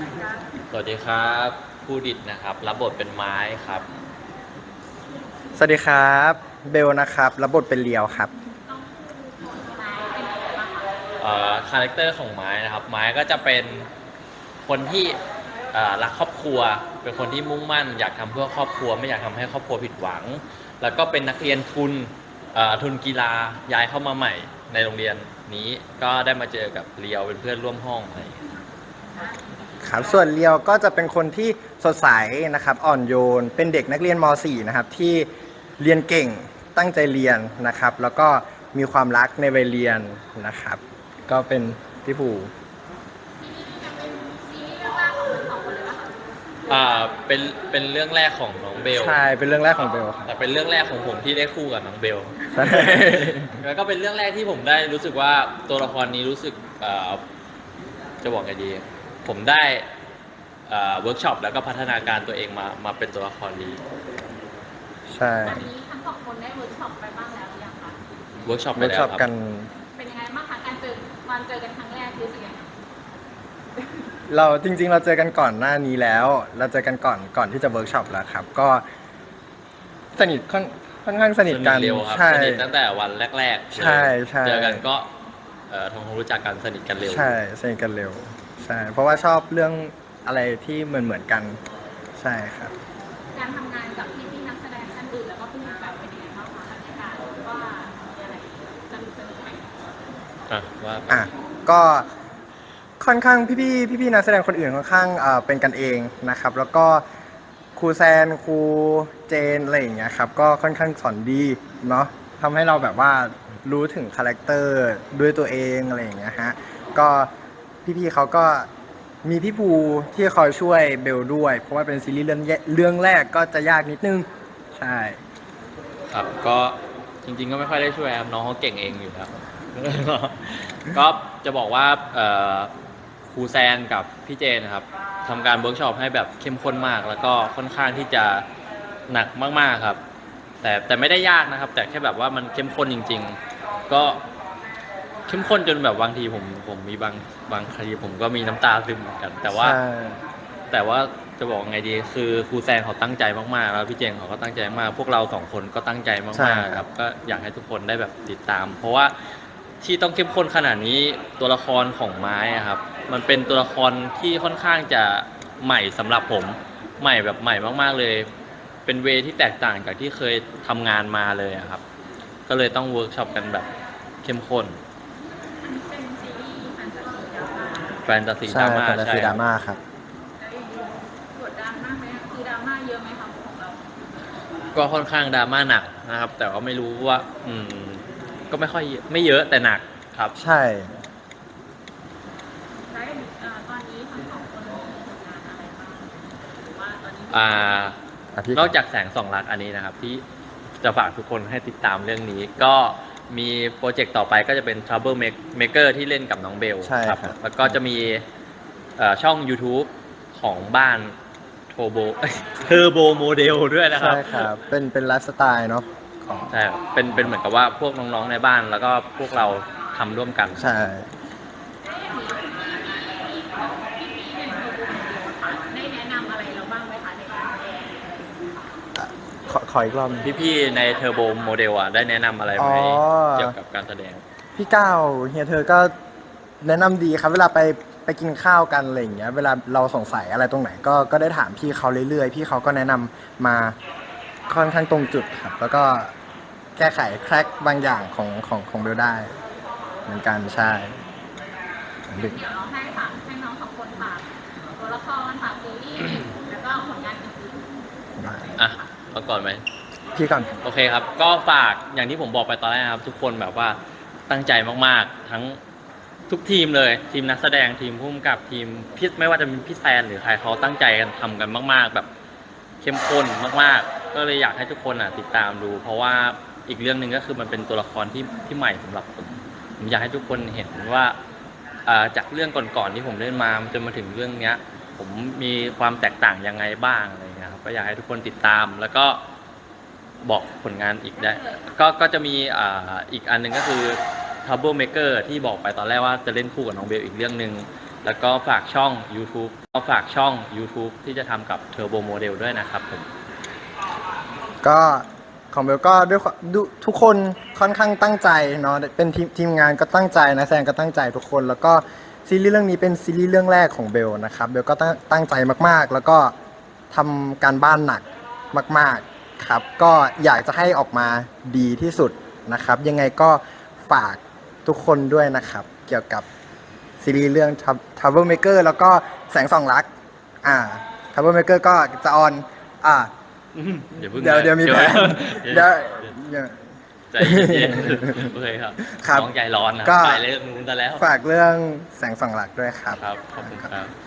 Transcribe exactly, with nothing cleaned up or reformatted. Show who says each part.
Speaker 1: สวัสดีครับผู้ดิดนะครับรับบทเป็นไม้ครับ
Speaker 2: สวัสดีครับเบลนะครับรับบทเป็นเลียวครับ
Speaker 1: เอ่อคาแรคเตอร์ของไม้นะครับไม้ก็จะเป็นคนที่เอ่อรักครอบครัวเป็นคนที่มุ่งมั่นอยากทำเพื่อครอบครัวไม่อยากทำให้ครอบครัวผิดหวังแล้วก็เป็นนักเรียนทุนเอ่อทุนกีฬาย้ายเข้ามาใหม่ในโรงเรียนนี้ก็ได้มาเจอกับเลียวเป็นเพื่อนร่วมห้องอะไรอย่างเงี้ย
Speaker 2: ครับส่วนเลียวก็จะเป็นคนที่สดใสนะครับอ่อนโยนเป็นเด็กนักเรียนม .สี่ นะครับที่เรียนเก่งตั้งใจเรียนนะครับแล้วก็มีความรักในวัยเรียนนะครับก็เป็นพี่ผู
Speaker 1: อ่าเป็นเป็นเรื่องแรกของน้องเบล
Speaker 2: ใช่เป็นเรื่องแรกของเบลครับ
Speaker 1: แต่เป็นเรื่องแรกของผมที่ได้คู่กับน้องเบล
Speaker 2: ใช่
Speaker 1: แล้วก็เป็นเรื่องแรกที่ผมได้รู้สึกว่าตัวละครนี้รู้สึกเอ่อจะบอกไงดี ผมได้เวิร์กช็อปแล้วก็พัฒนาการตัวเองมามาเป็นตัวละครนี้
Speaker 2: ใช่
Speaker 3: อันนี้ทั้งสองคนได้เวิร์กช็อปไปบ้างแล้วหรือยังคะ
Speaker 1: เวิร์กช็อปไป
Speaker 2: เวิร์ก
Speaker 1: แล้ว
Speaker 2: ช็อป
Speaker 1: ครับ
Speaker 2: กัน
Speaker 3: เป็นยังไงบ้างคะการเจอวันเจอกันครั้งแรกรู้สึกยังไง
Speaker 2: เราจริงๆเราเจอกันก่อนหน้านี้แล้ว เราเจอกันก่อนก่อนที่จะเวิร์กช็อปแล้วครับก็สนิทค่อนค่อนข้างสนิทกัน
Speaker 1: เร็วครับ
Speaker 2: ใช่
Speaker 1: สนิทตั้งแต่วันแรกๆ
Speaker 2: ใช่ใช่
Speaker 1: เจอกันก็เอ่อทำความรู้จักกันสนิทกันเร็ว
Speaker 2: ใช่สนิทกันเร็วใช่เพราะว่าชอบเรื่องอะไรที่เหมือนเหมือนกันใช่ครับ
Speaker 3: การทำงานกับพี่พี่นักแสดงท่านอื่นแล้วก็ผู้กำกับเป็นยังไงบ้างคะบรรยากาศว่ามีอะไรสนุกสนุกไหม
Speaker 1: อ่ะว่า
Speaker 2: อ่ะก็ค่อนข้างพี่ๆพี่ๆนักแสดงคนอื่นค่อนข้างเอ่อเป็นกันเองนะครับแล้วก็ครูแซนครูเจนอะไรอย่างเงี้ยครับก็ค่อนข้างสอนดีเนาะทำให้เราแบบว่ารู้ถึงคาแรคเตอร์ด้วยตัวเองอะไรอย่างเงี้ยฮะก็พี่ๆเขาก็มีพี่ภูที่คอยช่วยเบลด้วยเพราะว่าเป็นซีรีส์เรื่องแยเรื่องแรกก็จะยากนิดนึงใช่
Speaker 1: ครับก็จริงๆก็ไม่ค่อยได้ช่วยครับน้องเขาเก่งเองอยู่แล้ว ก็จะบอกว่าเอ่อครูแซนกับพี่เจนนะครับทำการเวิร์กช็อปให้แบบเข้มข้นมาก แล้วก็ค่อนข้างที่จะหนักมากๆครับ แต่แต่ไม่ได้ยากนะครับ แต่แค่แบบว่ามันเข้มข้นจริงๆ ก็เข้มข้นจนแบบบางทีผมผมมีบางบางทีผมก็มีน้ำตาซึมเหมือนกัน แต่ว่า
Speaker 2: ใช่
Speaker 1: แต่ว่าจะบอกไงดีคือครูแซนเขาตั้งใจมากๆแล้วพี่เจงเขาก็ตั้งใจมากพวกเราสองคนก็ตั้งใจ
Speaker 2: ใช่
Speaker 1: มากๆครับก็อยากให้ทุกคนได้แบบติดตาม เพราะว่าที่ต้องเข้มข้นขนาดนี้ตัวละครของไม้อะครับมันเป็นตัวละครที่ค่อนข้างจะใหม่สำหรับผมใหม่แบบใหม่มากๆเลย เป็นเวที่แตกต่างจากที่เคยทำงานมาเลยอะครับก็เลยต้องเวิร์กช็อปกันแบบเข้มข้น
Speaker 3: อันนี้เป็นซีรีส์แฟนตาซีดราม่า
Speaker 1: แฟนตาซีด
Speaker 2: ใช่
Speaker 1: ราม่า
Speaker 2: แฟนตา
Speaker 1: ใช่
Speaker 2: ซี
Speaker 1: ค
Speaker 2: ด
Speaker 1: รั
Speaker 2: รา
Speaker 1: บ
Speaker 2: ม่าครับ
Speaker 3: แล้วอย่างนี้กดดันมากไหมคะคือดราม่าเยอะไหมคะของเรา
Speaker 1: ก็ค่อนข้างดราม่าหนักนะครับ แต่ว่าไม่รู้ว่าอืมก็ไม่ค่อยเยอะไม่เยอะแต่หนักครับ
Speaker 2: ใช่
Speaker 3: แล้วอย่างนี้เอ่อตอนนี้ทั้งสองคนมีผลงานอะไรบ้างหรือว่าตอนนี้
Speaker 1: อ่า
Speaker 2: อ่ะพี่
Speaker 1: นอกจากแสงสองลักอันนี้นะครับ ที่จะฝากทุกคนให้ติดตามเรื่องนี้ ก็มีโปรเจกต์ต่อไปก็จะเป็น Trouble Maker ที่เล่นกับน้องเบล
Speaker 2: ใช่ครับ
Speaker 1: แล้วก็จะมีเอ่อช่อง YouTube ของบ้านโทโบเทอร์โบโมเดลด้วยนะครับ
Speaker 2: ใช่ครับ เป็นเป็นไลฟ์สไตล์เนาะของ
Speaker 1: ใช่ครับเป็นเป็นเหมือนกับว่าพวกน้องๆในบ้านแล้วก็พวกเราทำร่วมกัน
Speaker 2: ใช่
Speaker 3: ได้แนะนำอะไรเราบ้างไหมคะในการแสดง
Speaker 2: ขอขออีกรอบหนึ่ง
Speaker 1: พี่ๆในเทอร์โบโมเดลอ่ะได้แนะนำอะไรไหม
Speaker 2: อ๋อ
Speaker 1: เกี่ยวกับการแสดง
Speaker 2: พี่ก้าวเฮียเธอก็แนะนำดีครับ เวลาไปไปกินข้าวกันอะไรอย่างเงี้ย เวลาเราสงสัยอะไรตรงไหนก็ก็ได้ถามพี่เขาเรื่อยๆ พี่เขาก็แนะนำมาค่อนข้างตรงจุดครับ แล้วก็แก้ไขแคร็กบางอย่างของของของเบลได้ เหมือนกันใช่ดึก
Speaker 3: เดี๋ยวเราให้ฝากให้น้องสองคนฝากตัวละครฝากซีรีส์แล้วก็ผลงานอื่น
Speaker 1: อ่ะเอาก่อนไหม
Speaker 2: พี่ก่อน
Speaker 1: โอเคครับ ก็ฝากอย่างที่ผมบอกไปตอนแรกครับ ทุกคนแบบว่าตั้งใจมากๆ ทั้งทุกทีมเลย ทีมนักแสดงทีมผู้กำกับทีมพี่ไม่ว่าจะเป็นพี่แซนหรือใครเขาตั้งใจกันทำกันมาก ๆ แบบเข้มข้นมากๆ ก็เลยอยากให้ทุกคนอ่ะติดตามดู เพราะว่าอีกเรื่องหนึ่งก็คือมันเป็นตัวละครที่ที่ใหม่สำหรับผมผมอยากให้ทุกคนเห็นว่าอ่าจากเรื่องก่อนๆที่ผมเล่นมาจนมาถึงเรื่องเนี้ย ผมมีความแตกต่างยังไงบ้างอะไรเงี้ยครับก็อยากให้ทุกคนติดตามแล้วก็บอกผลงานอีกได้ ก็ก็จะมีอ่าอีกอันหนึงก็คือ Trouble Maker ที่บอกไปตอนแรกว่าจะเล่นคู่กับน้องเบลอีกเรื่องหนึ่งแล้วก็ฝากช่อง YouTube ก็ฝากช่อง YouTube ที่จะทำกับ Turbo Model ด้วยนะครับผม
Speaker 2: ก็ของเบลก็ด้วยความดูทุกคนค่อนข้างตั้งใจเนาะเป็นทีมทีมงานก็ตั้งใจนะแซงก็ตั้งใจทุกคน แล้วก็ซีรีส์เรื่องนี้เป็นซีรีส์เรื่องแรกของเบลนะครับเบลก็ตั้งตั้งใจมากๆ แล้วก็ทำการบ้านหนักมากๆครับก็อยากจะให้ออกมาดีที่สุดนะครับ ยังไงก็ฝากทุกคนด้วยนะครับ เกี่ยวกับซีรีส์เรื่อง Trouble Maker แล้วก็แสงส่องรักอ่า Trouble Maker ก็จะออนอ่า
Speaker 1: อย่าเพิ่ง
Speaker 2: เดี๋ยวเดี๋ยวมีแผน
Speaker 1: เดี๋
Speaker 2: เดี๋
Speaker 1: ย
Speaker 2: ยว วเดี๋ยว
Speaker 1: ใจเย็นๆโอเคครับ
Speaker 2: ครับ
Speaker 1: น้องใจร้อนนะ
Speaker 2: ก็
Speaker 1: ไปเรื่องนู้นซะแล้ว
Speaker 2: ฝากเรื่องแสงส่องหลักด้วยครับ
Speaker 1: ครับ ขอบคุณครับ